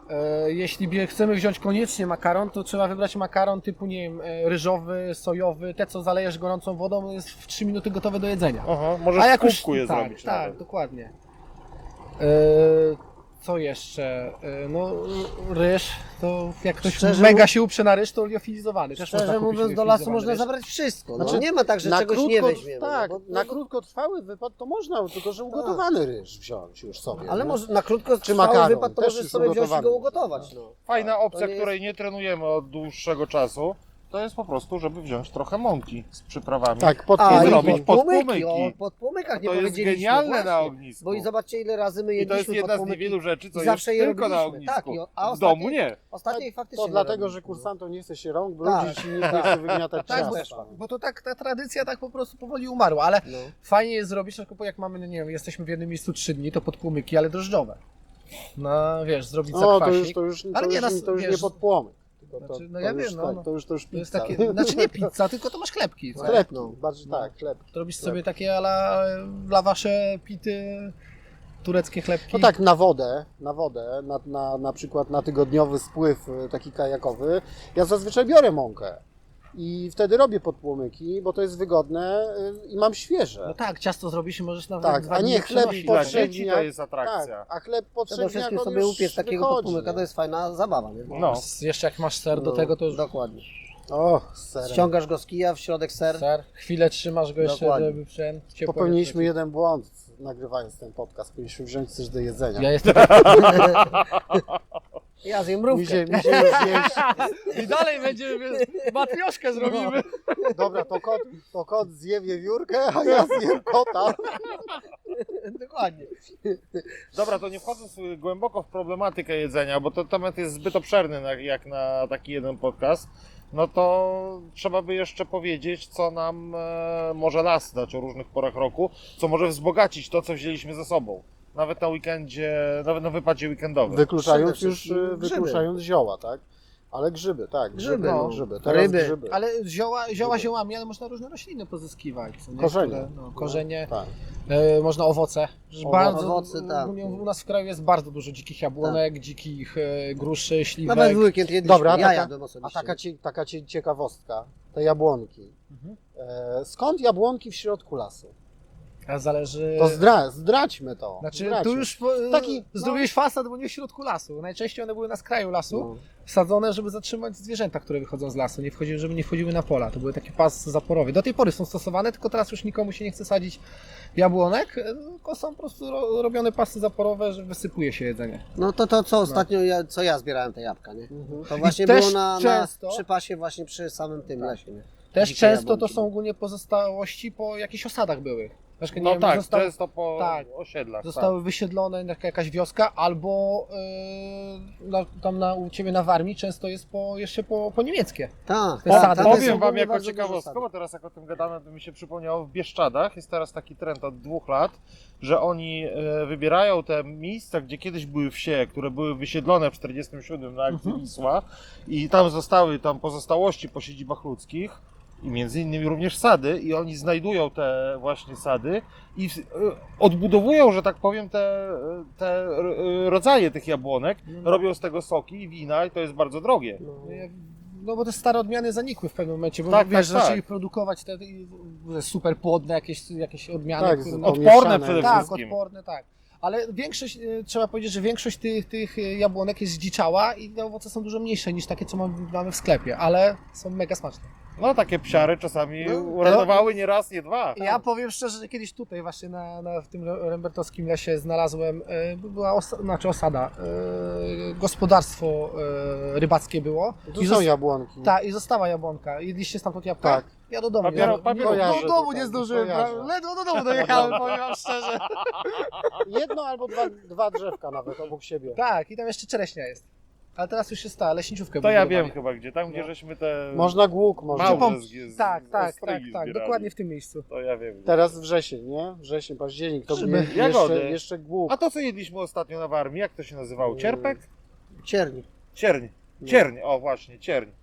[SPEAKER 4] E, jeśli bie- chcemy wziąć koniecznie makaron, to trzeba wybrać makaron typu, nie wiem, e, ryżowy, sojowy, te co zalejesz gorącą wodą, jest w trzy minuty gotowe do jedzenia.
[SPEAKER 2] Aha, możesz
[SPEAKER 4] A
[SPEAKER 2] w
[SPEAKER 4] jak już-
[SPEAKER 2] kubku je
[SPEAKER 4] tak,
[SPEAKER 2] zrobić
[SPEAKER 4] tak,
[SPEAKER 2] nawet.
[SPEAKER 4] dokładnie. E, co jeszcze? E, no ryż, to jak ktoś
[SPEAKER 3] Szczerze
[SPEAKER 4] mega
[SPEAKER 3] mów-
[SPEAKER 4] się uprze na ryż, to liofilizowany. Też można
[SPEAKER 3] Szczerze
[SPEAKER 4] kupić
[SPEAKER 3] mówiąc, do lasu
[SPEAKER 4] liofilizowany
[SPEAKER 3] można
[SPEAKER 4] ryż.
[SPEAKER 3] zabrać wszystko. No,
[SPEAKER 1] Znaczy,
[SPEAKER 3] nie ma tak, że
[SPEAKER 1] na
[SPEAKER 3] czegoś
[SPEAKER 1] krótko,
[SPEAKER 3] nie weźmiemy.
[SPEAKER 1] tak,
[SPEAKER 3] no, bo,
[SPEAKER 1] na
[SPEAKER 3] no,
[SPEAKER 1] krótkotrwały wypad to można, tylko że ugotowany ryż wziąć już sobie.
[SPEAKER 3] ale
[SPEAKER 1] nie?
[SPEAKER 3] może na krótko
[SPEAKER 1] Czy
[SPEAKER 3] trwały
[SPEAKER 1] makaron,
[SPEAKER 3] wypad to
[SPEAKER 1] też
[SPEAKER 3] możesz
[SPEAKER 1] jest
[SPEAKER 3] sobie wziąć i
[SPEAKER 1] ugotowany.
[SPEAKER 3] go ugotować. No.
[SPEAKER 2] Fajna
[SPEAKER 3] To
[SPEAKER 2] opcja,
[SPEAKER 3] nie jest-
[SPEAKER 2] której nie trenujemy od dłuższego czasu, to jest po prostu, żeby wziąć trochę mąki z przyprawami.
[SPEAKER 1] Tak, pod
[SPEAKER 3] A,
[SPEAKER 2] i
[SPEAKER 3] i
[SPEAKER 2] zrobić
[SPEAKER 3] podpłomyki,
[SPEAKER 2] podpłomyki.
[SPEAKER 3] o podpłomykach nie
[SPEAKER 2] To jest
[SPEAKER 3] powiedzieliśmy.
[SPEAKER 2] genialne
[SPEAKER 3] właśnie.
[SPEAKER 2] na ognisku.
[SPEAKER 3] Bo i zobaczcie, ile razy my
[SPEAKER 2] I to
[SPEAKER 3] jedliśmy
[SPEAKER 2] jest jedna z
[SPEAKER 3] podpłomyki.
[SPEAKER 2] niewielu rzeczy, co
[SPEAKER 3] i
[SPEAKER 2] jest
[SPEAKER 3] zawsze je
[SPEAKER 2] tylko na
[SPEAKER 3] robiliśmy.
[SPEAKER 2] ognisku.
[SPEAKER 3] Tak, i o- a
[SPEAKER 2] w
[SPEAKER 3] ostatniej-
[SPEAKER 2] domu nie.
[SPEAKER 3] Ostatniej faktycznie
[SPEAKER 1] To
[SPEAKER 3] nie
[SPEAKER 1] dlatego,
[SPEAKER 3] robiliśmy.
[SPEAKER 1] że kursantom nie chce się rąk
[SPEAKER 3] Tak.
[SPEAKER 1] brudzić i nikt nie chce wygniatać
[SPEAKER 4] Tak, bo,
[SPEAKER 1] ciasta.
[SPEAKER 4] bo to tak, ta tradycja tak po prostu powoli umarła, ale
[SPEAKER 3] No.
[SPEAKER 4] fajnie jest zrobić, tylko jak mamy, no nie wiem, jesteśmy w jednym miejscu trzy dni, to podpłomyki, ale drożdżowe. No wiesz, zrobić
[SPEAKER 1] No to
[SPEAKER 4] zakwasik.
[SPEAKER 1] już, to już, to
[SPEAKER 4] Ale nie,
[SPEAKER 1] już,
[SPEAKER 4] nas-
[SPEAKER 1] to już
[SPEAKER 4] wiesz,
[SPEAKER 1] nie podpłomyk. Tylko to,
[SPEAKER 4] znaczy, no
[SPEAKER 1] to
[SPEAKER 4] ja
[SPEAKER 1] już,
[SPEAKER 4] wiem, no,
[SPEAKER 1] tak,
[SPEAKER 4] no.
[SPEAKER 1] to już to już
[SPEAKER 4] To jest
[SPEAKER 1] pizza.
[SPEAKER 4] takie, znaczy nie pizza, tylko to masz chlebki. co?
[SPEAKER 1] Chlebki,
[SPEAKER 3] No.
[SPEAKER 1] bardziej
[SPEAKER 4] No.
[SPEAKER 1] tak, chleb.
[SPEAKER 4] To robisz
[SPEAKER 1] Chleb.
[SPEAKER 4] sobie takie ala dla wasze pity, tureckie chlebki.
[SPEAKER 1] No tak, na wodę, na wodę, na, na, na przykład na tygodniowy spływ y, taki kajakowy, ja zazwyczaj biorę mąkę i wtedy robię podpłomyki, bo to jest wygodne y, i mam świeże.
[SPEAKER 4] No tak, ciasto zrobisz i możesz nawet
[SPEAKER 1] Tak,
[SPEAKER 4] dwa
[SPEAKER 1] a
[SPEAKER 4] dni
[SPEAKER 1] nie chleb
[SPEAKER 4] przenosić.
[SPEAKER 1] po
[SPEAKER 2] Dla
[SPEAKER 1] trzech
[SPEAKER 2] dzieci
[SPEAKER 1] dniach.
[SPEAKER 2] to jest atrakcja.
[SPEAKER 1] Tak, a chleb po
[SPEAKER 3] Przede
[SPEAKER 1] trzech dniach
[SPEAKER 3] wszystkim
[SPEAKER 1] on
[SPEAKER 3] sobie
[SPEAKER 1] już
[SPEAKER 3] upiec takiego
[SPEAKER 1] wychodzi,
[SPEAKER 3] podpłomyka,
[SPEAKER 1] nie?
[SPEAKER 3] to jest fajna zabawa, nie?
[SPEAKER 2] No.
[SPEAKER 4] Jeszcze jak masz ser do
[SPEAKER 3] No,
[SPEAKER 4] tego, to już
[SPEAKER 3] Dokładnie.
[SPEAKER 1] O, z serem.
[SPEAKER 3] Ściągasz go z kija, w środek ser.
[SPEAKER 4] ser. Chwilę trzymasz go jeszcze,
[SPEAKER 3] Dokładnie.
[SPEAKER 4] żeby przem ciepło
[SPEAKER 1] Popełniliśmy
[SPEAKER 4] jest.
[SPEAKER 1] jeden błąd nagrywając ten podcast. Powinniśmy wziąć coś do jedzenia.
[SPEAKER 4] Ja jestem...
[SPEAKER 3] Ja zjem
[SPEAKER 1] Mi
[SPEAKER 3] mrówkę.
[SPEAKER 1] się, mi się już zjeść.
[SPEAKER 4] I dalej będziemy, matrioszkę zrobimy.
[SPEAKER 1] Dobra, to kot, to kot zje wiewiórkę, a ja zjem kota.
[SPEAKER 3] Dokładnie.
[SPEAKER 2] Dobra, to nie wchodząc y, głęboko w problematykę jedzenia, bo to temat jest zbyt obszerny na, jak na taki jeden podcast, no to trzeba by jeszcze powiedzieć, co nam e, może las dać o różnych porach roku, co może wzbogacić to, co wzięliśmy ze sobą. Nawet na weekendzie, nawet na wypadzie weekendowym.
[SPEAKER 1] Wykluczając
[SPEAKER 3] Przede
[SPEAKER 1] już,
[SPEAKER 3] wszystkim
[SPEAKER 1] y,
[SPEAKER 3] grzyby.
[SPEAKER 1] wykluczając zioła, tak? Ale grzyby, tak. Grzyby,
[SPEAKER 3] Grzyby,
[SPEAKER 1] no.
[SPEAKER 3] no.
[SPEAKER 1] grzyby. Teraz
[SPEAKER 3] Ryby.
[SPEAKER 1] grzyby.
[SPEAKER 4] Ale zioła, zioła ziołami, ale można różne rośliny pozyskiwać. co nie?
[SPEAKER 1] Korzenie.
[SPEAKER 4] Które, no, korzenie,
[SPEAKER 1] Tak.
[SPEAKER 4] e, można owoce. Że
[SPEAKER 1] Owoce.
[SPEAKER 4] bardzo,
[SPEAKER 3] Owoce, tak.
[SPEAKER 4] u, u nas w kraju jest bardzo dużo dzikich jabłonek, dzikich e, gruszy, śliwek.
[SPEAKER 3] Nawet w weekend jedliśmy.
[SPEAKER 1] Dobra, a
[SPEAKER 3] ja
[SPEAKER 1] taka-
[SPEAKER 3] jadłem
[SPEAKER 1] A
[SPEAKER 3] osobiście.
[SPEAKER 1] taka, cie, taka cie, ciekawostka, te jabłonki.
[SPEAKER 4] Mhm.
[SPEAKER 1] E, skąd jabłonki w środku lasu?
[SPEAKER 4] A zależy...
[SPEAKER 1] To zdra, zdradźmy to.
[SPEAKER 4] Znaczy,
[SPEAKER 1] zdradźmy.
[SPEAKER 4] tu już po,
[SPEAKER 1] Taki, no.
[SPEAKER 4] zrobiłeś fasad, bo nie w środku lasu. Najczęściej one były na skraju lasu,
[SPEAKER 1] No.
[SPEAKER 4] wsadzone, żeby zatrzymać zwierzęta, które wychodzą z lasu, nie wchodziły, żeby nie wchodziły na pola. To były taki pas zaporowy. Do tej pory są stosowane, tylko teraz już nikomu się nie chce sadzić jabłonek, e, tylko są po prostu ro, robione pasy zaporowe, że wysypuje się jedzenie.
[SPEAKER 3] No to to, co ostatnio, ja, co ja zbierałem te jabłka, nie?
[SPEAKER 1] Mhm.
[SPEAKER 3] To właśnie
[SPEAKER 4] też
[SPEAKER 3] było na, na,
[SPEAKER 4] często-
[SPEAKER 3] przy pasie właśnie przy samym tym lesie, nie?
[SPEAKER 4] Też
[SPEAKER 3] Dzikie
[SPEAKER 4] często
[SPEAKER 3] jabłonki.
[SPEAKER 4] to są ogólnie pozostałości po jakichś osadach byłych. Na przykład, nie
[SPEAKER 2] No
[SPEAKER 4] wiem,
[SPEAKER 2] tak,
[SPEAKER 4] został,
[SPEAKER 2] często po
[SPEAKER 4] tak.
[SPEAKER 2] osiedlach.
[SPEAKER 4] zostały wysiedlone jaka- jakaś wioska, albo yy, na, tam na, u Ciebie na Warmii często jest po, jeszcze po, po niemieckie.
[SPEAKER 3] Tak,
[SPEAKER 4] Te
[SPEAKER 3] tak,
[SPEAKER 4] sady.
[SPEAKER 3] tam
[SPEAKER 2] Po,
[SPEAKER 3] jest
[SPEAKER 2] powiem wam
[SPEAKER 3] ogólnie
[SPEAKER 2] jako
[SPEAKER 3] bardzo dużo
[SPEAKER 2] ciekawostkę,
[SPEAKER 3] sadów.
[SPEAKER 2] bo teraz jak o tym gadamy, to mi się przypomniało, w Bieszczadach jest teraz taki trend od dwóch lat, że oni e, wybierają te miejsca, gdzie kiedyś były wsie, które były wysiedlone w czterdziestym siódmym na akcji
[SPEAKER 4] Mhm.
[SPEAKER 2] Wisła i tam zostały tam pozostałości po siedzibach ludzkich i między innymi również sady i oni znajdują te właśnie sady i e, odbudowują, że tak powiem, te, te e, rodzaje tych jabłonek, robią z tego soki i wina i to jest bardzo drogie.
[SPEAKER 3] No.
[SPEAKER 4] No bo te stare odmiany zanikły w pewnym momencie, bo
[SPEAKER 2] Tak,
[SPEAKER 4] wiesz,
[SPEAKER 2] tak,
[SPEAKER 4] zaczęli
[SPEAKER 2] tak.
[SPEAKER 4] produkować te, te super płodne jakieś, jakieś odmiany.
[SPEAKER 1] Tak,
[SPEAKER 4] które-
[SPEAKER 1] z-
[SPEAKER 2] Odporne
[SPEAKER 1] pomieszane.
[SPEAKER 2] przede
[SPEAKER 4] tak,
[SPEAKER 2] wszystkim.
[SPEAKER 4] odporne, tak. Ale większość, e, trzeba powiedzieć, że większość tych, tych jabłonek jest zdziczała i te owoce są dużo mniejsze niż takie, co mamy, mamy w sklepie, ale są mega smaczne.
[SPEAKER 2] No takie psiary czasami
[SPEAKER 3] No,
[SPEAKER 2] uratowały nie raz, nie dwa.
[SPEAKER 4] Ja powiem szczerze, że kiedyś tutaj właśnie na, na, w tym rembertowskim lesie znalazłem, e, była osa, znaczy osada, e, gospodarstwo e, rybackie było.
[SPEAKER 1] Tu
[SPEAKER 4] I
[SPEAKER 1] są
[SPEAKER 4] zos-
[SPEAKER 1] jabłonki.
[SPEAKER 4] Ta, i została jabłonka. Jedliście stamtąd jabłka?
[SPEAKER 1] Tak.
[SPEAKER 4] Ja do domu.
[SPEAKER 2] Papiero-
[SPEAKER 4] ja,
[SPEAKER 2] papiero-
[SPEAKER 4] do,
[SPEAKER 1] kojarzę
[SPEAKER 4] do domu
[SPEAKER 1] tutaj,
[SPEAKER 4] nie zdążyłem,
[SPEAKER 1] kojarzę.
[SPEAKER 4] pra- ledwo do domu dojechałem, powiem wam szczerze.
[SPEAKER 1] Jedno albo dwa, dwa drzewka nawet obok siebie.
[SPEAKER 4] Tak, i tam jeszcze czereśnia jest. Ale teraz już jest ta leśniczówkę
[SPEAKER 2] To ja
[SPEAKER 4] wybudowali.
[SPEAKER 2] wiem chyba gdzie, tam gdzie
[SPEAKER 1] No.
[SPEAKER 2] żeśmy te
[SPEAKER 1] Można głuk, można.
[SPEAKER 2] małże
[SPEAKER 4] Pom-
[SPEAKER 2] z, z,
[SPEAKER 4] Tak,
[SPEAKER 2] z
[SPEAKER 4] tak, tak,
[SPEAKER 2] ostrygi
[SPEAKER 4] tak,
[SPEAKER 2] zbierali.
[SPEAKER 4] dokładnie w tym miejscu.
[SPEAKER 2] To ja wiem.
[SPEAKER 1] Teraz wrzesień, nie? Wrzesień, październik, to
[SPEAKER 4] Grzyby.
[SPEAKER 1] je,
[SPEAKER 2] Jagody.
[SPEAKER 1] jeszcze, jeszcze głuk.
[SPEAKER 2] A to co jedliśmy ostatnio na Warmii, jak to się nazywało? Cierpek?
[SPEAKER 3] Cierni.
[SPEAKER 2] Cierń. Cierń, o właśnie, cierń.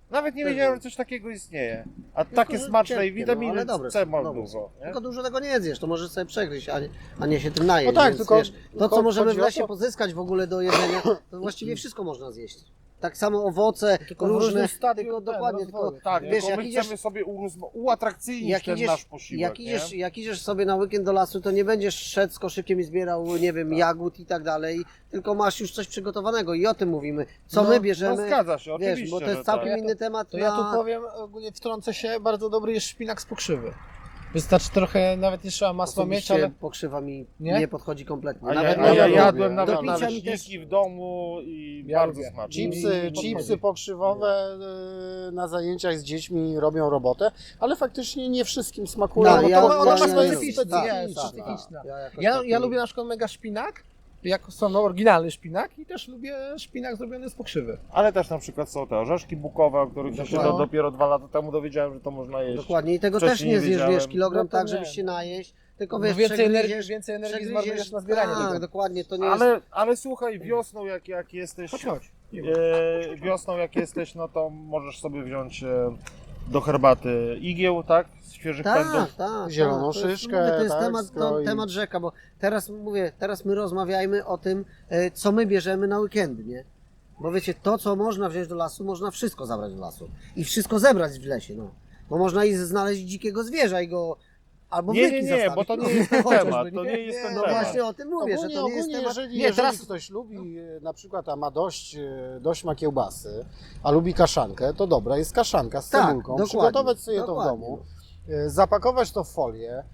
[SPEAKER 2] Nawet nie
[SPEAKER 3] Też
[SPEAKER 2] wiedziałem,
[SPEAKER 3] wiem.
[SPEAKER 2] że coś takiego istnieje. A takie
[SPEAKER 3] że
[SPEAKER 2] smaczne i
[SPEAKER 3] ciężkie, no,
[SPEAKER 2] witaminy
[SPEAKER 3] ale dobre
[SPEAKER 2] C
[SPEAKER 3] są,
[SPEAKER 2] ma
[SPEAKER 3] dobre
[SPEAKER 2] dużo. Nie?
[SPEAKER 3] Tylko dużo tego nie zjesz, to możesz sobie przegryźć, a nie, a nie się tym najeść.
[SPEAKER 1] No tak,
[SPEAKER 3] więc,
[SPEAKER 1] tylko-
[SPEAKER 3] wiesz, to,
[SPEAKER 1] tylko
[SPEAKER 3] co możemy w
[SPEAKER 1] chodzi o
[SPEAKER 3] lesie
[SPEAKER 1] to-
[SPEAKER 3] pozyskać w ogóle do jedzenia, to właściwie wszystko można zjeść. Tak samo owoce,
[SPEAKER 4] Tylko w
[SPEAKER 3] różne,
[SPEAKER 4] różnym stadium
[SPEAKER 3] tylko
[SPEAKER 4] ten,
[SPEAKER 3] dokładnie,
[SPEAKER 4] rozwoju.
[SPEAKER 3] tylko
[SPEAKER 2] Tak,
[SPEAKER 3] wiesz,
[SPEAKER 2] tylko
[SPEAKER 3] jak
[SPEAKER 2] my
[SPEAKER 3] idziesz,
[SPEAKER 2] chcemy sobie urozma- uatrakcyjnić
[SPEAKER 3] jak
[SPEAKER 2] ten
[SPEAKER 3] idziesz,
[SPEAKER 2] nasz posiłek,
[SPEAKER 3] jak, idziesz,
[SPEAKER 2] nie?
[SPEAKER 3] jak idziesz sobie na weekend do lasu, to nie będziesz szedł z koszykiem i zbierał, nie wiem, jagód i tak dalej, tylko masz już coś przygotowanego i o tym mówimy. Co
[SPEAKER 4] No,
[SPEAKER 3] my
[SPEAKER 2] No
[SPEAKER 3] bierzemy,
[SPEAKER 2] zgadza się,
[SPEAKER 3] wiesz,
[SPEAKER 2] oczywiście,
[SPEAKER 3] bo to jest
[SPEAKER 2] że
[SPEAKER 3] całkiem
[SPEAKER 2] tak.
[SPEAKER 3] inny temat
[SPEAKER 4] To
[SPEAKER 3] na...
[SPEAKER 4] ja tu powiem, ogólnie wtrącę się, bardzo dobry jest szpinak z pokrzywy. Wystarczy trochę, nawet nie trzeba masła mieć,
[SPEAKER 3] Osobiście
[SPEAKER 4] ale
[SPEAKER 3] pokrzywa mi
[SPEAKER 4] Nie?
[SPEAKER 3] nie, podchodzi kompletnie.
[SPEAKER 2] A
[SPEAKER 3] Nawet
[SPEAKER 2] ja,
[SPEAKER 3] na
[SPEAKER 2] a ja
[SPEAKER 3] jogurcie.
[SPEAKER 2] jadłem
[SPEAKER 1] Do
[SPEAKER 2] nawet
[SPEAKER 3] picia mi
[SPEAKER 2] naleśniki
[SPEAKER 3] też-
[SPEAKER 2] w domu i
[SPEAKER 4] Ja
[SPEAKER 2] bardzo
[SPEAKER 4] lubię.
[SPEAKER 2] smacznie.
[SPEAKER 1] Chipsy,
[SPEAKER 3] I- i-
[SPEAKER 1] chipsy pokrzywowe y, na zajęciach z dziećmi robią robotę, ale faktycznie nie wszystkim smakują.
[SPEAKER 3] No,
[SPEAKER 1] bo
[SPEAKER 3] ja-
[SPEAKER 1] to
[SPEAKER 4] ona, ona
[SPEAKER 3] ja-
[SPEAKER 4] ma
[SPEAKER 3] ja-
[SPEAKER 4] specyficzny,
[SPEAKER 3] tak,
[SPEAKER 4] jest
[SPEAKER 3] tak,
[SPEAKER 4] specyficzna.
[SPEAKER 3] Ja, jakoś
[SPEAKER 4] Ja,
[SPEAKER 3] tak
[SPEAKER 4] ja
[SPEAKER 3] nie-
[SPEAKER 4] lubię na przykład mega szpinak, jako są no, oryginalny szpinak i też lubię szpinak zrobiony z pokrzywy.
[SPEAKER 2] Ale też na przykład są te orzeszki bukowe, o których ja się
[SPEAKER 3] Dokładnie.
[SPEAKER 2] do, dopiero dwa lata temu dowiedziałem, że to można jeść.
[SPEAKER 3] Dokładnie, i tego
[SPEAKER 2] Wcześniej
[SPEAKER 3] też nie
[SPEAKER 2] nie
[SPEAKER 3] zjesz, wiesz,
[SPEAKER 2] wiedziałem.
[SPEAKER 3] kilogram
[SPEAKER 4] No to
[SPEAKER 3] tak,
[SPEAKER 4] nie.
[SPEAKER 3] żebyś się najeść, tylko
[SPEAKER 4] Bo
[SPEAKER 3] wiesz,
[SPEAKER 4] więcej energii,
[SPEAKER 3] przegryziesz,
[SPEAKER 4] więcej energii
[SPEAKER 3] przegryziesz,
[SPEAKER 4] zmarnujesz na zbieranie
[SPEAKER 3] tak,
[SPEAKER 4] tego.
[SPEAKER 3] dokładnie, to nie jest...
[SPEAKER 2] Ale, ale słuchaj, wiosną jak, jak jesteś,
[SPEAKER 4] Chodź, chodź.
[SPEAKER 2] e, wiosną jak jesteś, no to możesz sobie wziąć e, do herbaty igieł, tak? Z świeżych
[SPEAKER 3] Tak,
[SPEAKER 2] pędów.
[SPEAKER 3] tak.
[SPEAKER 1] Zieloną
[SPEAKER 3] tak. To jest-
[SPEAKER 1] szyszkę,
[SPEAKER 3] mówię, To jest
[SPEAKER 1] tak,
[SPEAKER 3] temat, to,
[SPEAKER 1] skroi.
[SPEAKER 3] temat rzeka, bo teraz mówię, teraz my rozmawiajmy o tym, e, co my bierzemy na weekendy, nie? Bo wiecie, to co można wziąć do lasu, można wszystko zabrać do lasu. I wszystko zebrać w lesie, no. Bo można i znaleźć dzikiego zwierza i go... Albo
[SPEAKER 2] Nie,
[SPEAKER 3] wyki
[SPEAKER 2] nie, nie,
[SPEAKER 3] zostawić.
[SPEAKER 2] bo to nie
[SPEAKER 3] No,
[SPEAKER 2] jest ten
[SPEAKER 3] chociażby,
[SPEAKER 2] temat,
[SPEAKER 3] nie?
[SPEAKER 2] to nie jest ten
[SPEAKER 3] No
[SPEAKER 2] temat.
[SPEAKER 3] właśnie o tym mówię,
[SPEAKER 1] Ogólnie,
[SPEAKER 3] że to nie jest
[SPEAKER 1] ogólnie
[SPEAKER 3] temat...
[SPEAKER 1] jeżeli,
[SPEAKER 4] Nie,
[SPEAKER 1] jeżeli
[SPEAKER 4] teraz-
[SPEAKER 1] ktoś lubi e, na przykład, a ma dość, e, dość ma kiełbasy, a lubi kaszankę, to dobra, jest kaszanka z
[SPEAKER 3] Tak,
[SPEAKER 1] cebulką,
[SPEAKER 3] dokładnie,
[SPEAKER 1] przygotować sobie to w
[SPEAKER 3] dokładnie.
[SPEAKER 1] domu, e, zapakować to w folię, e,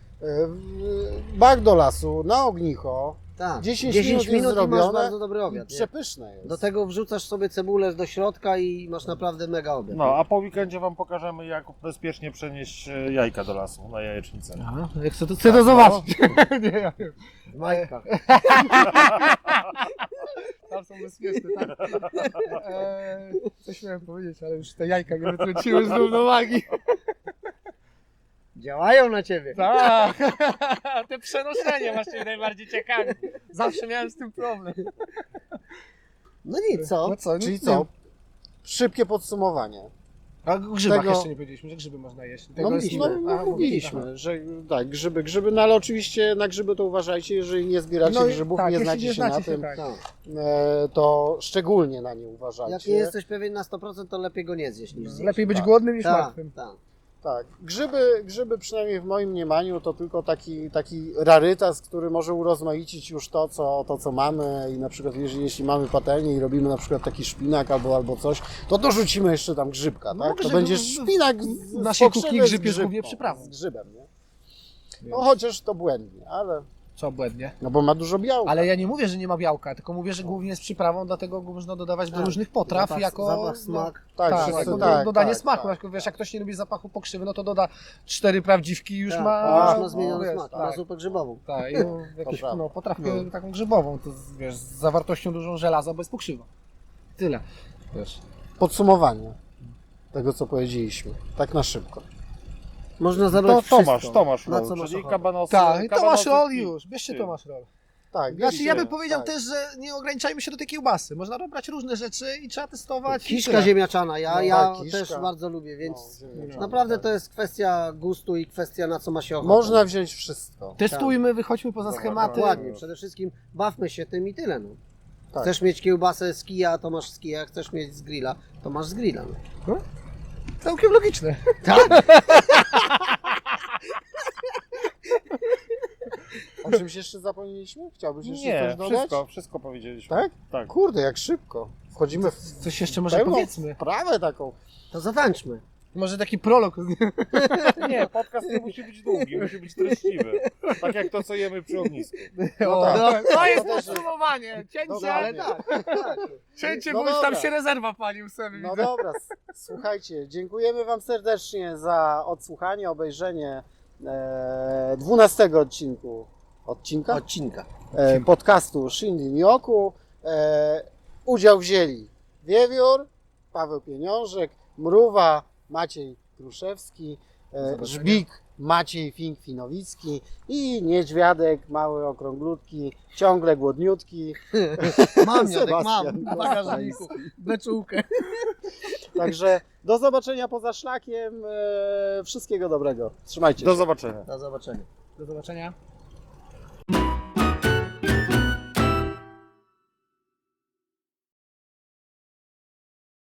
[SPEAKER 1] w- bak do lasu, na ognicho,
[SPEAKER 3] Tak,
[SPEAKER 1] dziesięć
[SPEAKER 3] dziesięć
[SPEAKER 1] minut jest
[SPEAKER 3] minut i masz
[SPEAKER 1] zrobione
[SPEAKER 3] bardzo dobry
[SPEAKER 1] i
[SPEAKER 3] obiad. nie?
[SPEAKER 1] przepyszne jest.
[SPEAKER 3] Do tego wrzucasz sobie cebulę do środka i masz naprawdę mega obiad.
[SPEAKER 2] No, a po weekendzie wam pokażemy, jak bezpiecznie przenieść e, jajka do lasu, na jajecznicę.
[SPEAKER 4] Aha, jak chcę to, chcę to zobaczyć. nie, ja wiem.
[SPEAKER 3] W majtkach.
[SPEAKER 4] Tam są bezpieczne, tak? Eee, coś miałem powiedzieć, ale już te jajka mnie wytrąciły z równowagi.
[SPEAKER 3] Działają na ciebie.
[SPEAKER 4] Tak, te przenoszenie właśnie najbardziej ciekawe. Zawsze miałem z tym problem.
[SPEAKER 3] No nic, co?
[SPEAKER 4] No co,
[SPEAKER 1] Czyli
[SPEAKER 4] nie-
[SPEAKER 1] co? Szybkie podsumowanie.
[SPEAKER 4] A o grzybach
[SPEAKER 1] Tego-
[SPEAKER 4] jeszcze nie powiedzieliśmy, że grzyby można jeść. Tego
[SPEAKER 1] No,
[SPEAKER 4] jest-
[SPEAKER 1] no,
[SPEAKER 4] Aha,
[SPEAKER 1] no mówiliśmy,
[SPEAKER 4] aha.
[SPEAKER 1] że tak, grzyby, grzyby, no ale oczywiście na grzyby to uważajcie, jeżeli nie zbieracie
[SPEAKER 4] No i-
[SPEAKER 1] grzybów,
[SPEAKER 4] tak,
[SPEAKER 1] nie
[SPEAKER 4] jeśli
[SPEAKER 1] znacie
[SPEAKER 4] nie
[SPEAKER 1] się na
[SPEAKER 4] znacie się,
[SPEAKER 1] tym,
[SPEAKER 4] tak.
[SPEAKER 3] Tak.
[SPEAKER 1] e, to szczególnie na nie uważajcie.
[SPEAKER 3] Jak nie jesteś pewien na sto procent, to lepiej go nie zjeść niż zjeść.
[SPEAKER 4] Lepiej być
[SPEAKER 1] Tak.
[SPEAKER 4] głodnym niż
[SPEAKER 3] Tak,
[SPEAKER 4] martwym.
[SPEAKER 3] tak.
[SPEAKER 1] Tak, grzyby, grzyby przynajmniej w moim mniemaniu to tylko taki, taki rarytas, który może urozmaicić już to co, to, co mamy i na przykład jeżeli, jeśli mamy patelnię i robimy na przykład taki szpinak albo, albo coś, to dorzucimy jeszcze tam grzybka,
[SPEAKER 4] No,
[SPEAKER 1] tak? To
[SPEAKER 4] grzyby-
[SPEAKER 1] będzie szpinak z,
[SPEAKER 4] w
[SPEAKER 1] z
[SPEAKER 4] naszej
[SPEAKER 1] pokrzywy
[SPEAKER 4] kuchni
[SPEAKER 1] z
[SPEAKER 4] grzyb jest
[SPEAKER 1] grzybką,
[SPEAKER 4] głównie przyprawą.
[SPEAKER 1] z grzybem, nie? No chociaż to błędnie, ale,
[SPEAKER 4] Co błędnie.
[SPEAKER 1] no bo ma dużo białka.
[SPEAKER 4] Ale ja nie mówię, że nie ma białka, tylko mówię, że głównie jest przyprawą, dlatego go można dodawać do
[SPEAKER 3] Tak.
[SPEAKER 4] różnych potraw
[SPEAKER 3] Zapach,
[SPEAKER 4] jako...
[SPEAKER 3] zapach,
[SPEAKER 4] no,
[SPEAKER 3] smak.
[SPEAKER 1] Tak,
[SPEAKER 4] Tak,
[SPEAKER 1] wszyscy-
[SPEAKER 4] jako do-
[SPEAKER 1] tak,
[SPEAKER 4] dodanie
[SPEAKER 1] tak,
[SPEAKER 4] smaku.
[SPEAKER 1] tak.
[SPEAKER 4] Jak, wiesz, jak ktoś nie lubi zapachu pokrzywy, no to doda cztery prawdziwki i już
[SPEAKER 3] Tak,
[SPEAKER 4] ma...
[SPEAKER 3] to już
[SPEAKER 1] no,
[SPEAKER 3] ma zmieniony
[SPEAKER 4] wiesz,
[SPEAKER 3] smak,
[SPEAKER 4] tak,
[SPEAKER 3] na zupę grzybową.
[SPEAKER 4] tak, i jakąś
[SPEAKER 1] prawda.
[SPEAKER 4] no, potrawkę
[SPEAKER 3] No.
[SPEAKER 4] taką grzybową, to z- wiesz, z zawartością dużą żelaza, bo jest pokrzywa. Tyle. Wiesz.
[SPEAKER 1] Podsumowanie tego, co powiedzieliśmy, tak na szybko.
[SPEAKER 3] Można
[SPEAKER 2] To
[SPEAKER 3] zabrać
[SPEAKER 2] Tomasz,
[SPEAKER 3] wszystko.
[SPEAKER 2] Tomasz
[SPEAKER 3] Na
[SPEAKER 2] Roll,
[SPEAKER 3] co masz
[SPEAKER 2] czyli
[SPEAKER 3] ochotę.
[SPEAKER 2] kabanosy.
[SPEAKER 4] Tak, i Tomasz
[SPEAKER 2] kabanosy
[SPEAKER 4] Roll
[SPEAKER 2] i-
[SPEAKER 4] już, bierzcie
[SPEAKER 2] i-
[SPEAKER 4] Tomasz Roll.
[SPEAKER 1] Tak,
[SPEAKER 4] Znaczy ja bym
[SPEAKER 1] wiecie,
[SPEAKER 4] powiedział
[SPEAKER 1] tak.
[SPEAKER 4] też, że nie ograniczajmy się do tej kiełbasy. Można dobrać różne rzeczy i trzeba testować. i
[SPEAKER 3] Kiszka
[SPEAKER 4] tyle.
[SPEAKER 3] ziemniaczana, ja,
[SPEAKER 1] No
[SPEAKER 3] ja
[SPEAKER 1] tak, kiszka.
[SPEAKER 3] też bardzo lubię, więc
[SPEAKER 1] No, ziemniaczana,
[SPEAKER 3] naprawdę
[SPEAKER 1] tak.
[SPEAKER 3] to jest kwestia gustu i kwestia na co ma się ochotę.
[SPEAKER 1] Można wziąć wszystko.
[SPEAKER 4] Testujmy, wychodźmy poza
[SPEAKER 2] Dobra,
[SPEAKER 4] schematy.
[SPEAKER 3] Dokładnie, przede wszystkim bawmy się tym i tyle. No.
[SPEAKER 1] Tak.
[SPEAKER 3] Chcesz mieć kiełbasę z kija, to masz z kija, chcesz mieć z grilla, to masz z grilla. No.
[SPEAKER 4] Całkiem logiczne.
[SPEAKER 3] Tak?
[SPEAKER 1] O czymś jeszcze zapomnieliśmy? Chciałbyś jeszcze
[SPEAKER 2] Nie,
[SPEAKER 1] coś dodać?
[SPEAKER 2] wszystko, wszystko powiedzieliśmy.
[SPEAKER 1] Tak?
[SPEAKER 2] Tak.
[SPEAKER 1] Kurde, jak szybko. Wchodzimy w
[SPEAKER 4] Coś jeszcze może
[SPEAKER 1] pełną
[SPEAKER 4] powiedzmy.
[SPEAKER 1] wprawę taką.
[SPEAKER 3] To zatańczmy.
[SPEAKER 4] Może taki prolog.
[SPEAKER 2] Nie, podcast nie musi być długi, musi być treściwy. Tak jak to, co jemy przy ognisku.
[SPEAKER 1] No tak.
[SPEAKER 4] No, to jest
[SPEAKER 1] To też-
[SPEAKER 4] podsumowanie. Cięcie,
[SPEAKER 1] Dokładnie.
[SPEAKER 3] Ale tak, tak.
[SPEAKER 4] cięcie,
[SPEAKER 1] No
[SPEAKER 4] bo już tam
[SPEAKER 1] dobra.
[SPEAKER 4] się rezerwa palił sobie.
[SPEAKER 1] No
[SPEAKER 4] widzę.
[SPEAKER 1] dobra, s- słuchajcie, dziękujemy Wam serdecznie za odsłuchanie, obejrzenie e, dwunastego odcinku odcinka
[SPEAKER 3] Odcinka.
[SPEAKER 1] e, podcastu Shindy Nyoku. E, udział wzięli Wiewiór, Paweł Pieniążek, Mrówa, Maciej Kruszewski, e, Żbik, Maciej Fink-Finowicki i Niedźwiadek, mały okrąglutki, ciągle głodniutki.
[SPEAKER 3] Mam, Jadek,
[SPEAKER 1] Sebastian
[SPEAKER 3] mam w bagażniku. Beczułkę.
[SPEAKER 1] Także do zobaczenia poza szlakiem. E, wszystkiego dobrego. Trzymajcie się.
[SPEAKER 2] Do zobaczenia.
[SPEAKER 3] Do zobaczenia.
[SPEAKER 4] Do zobaczenia.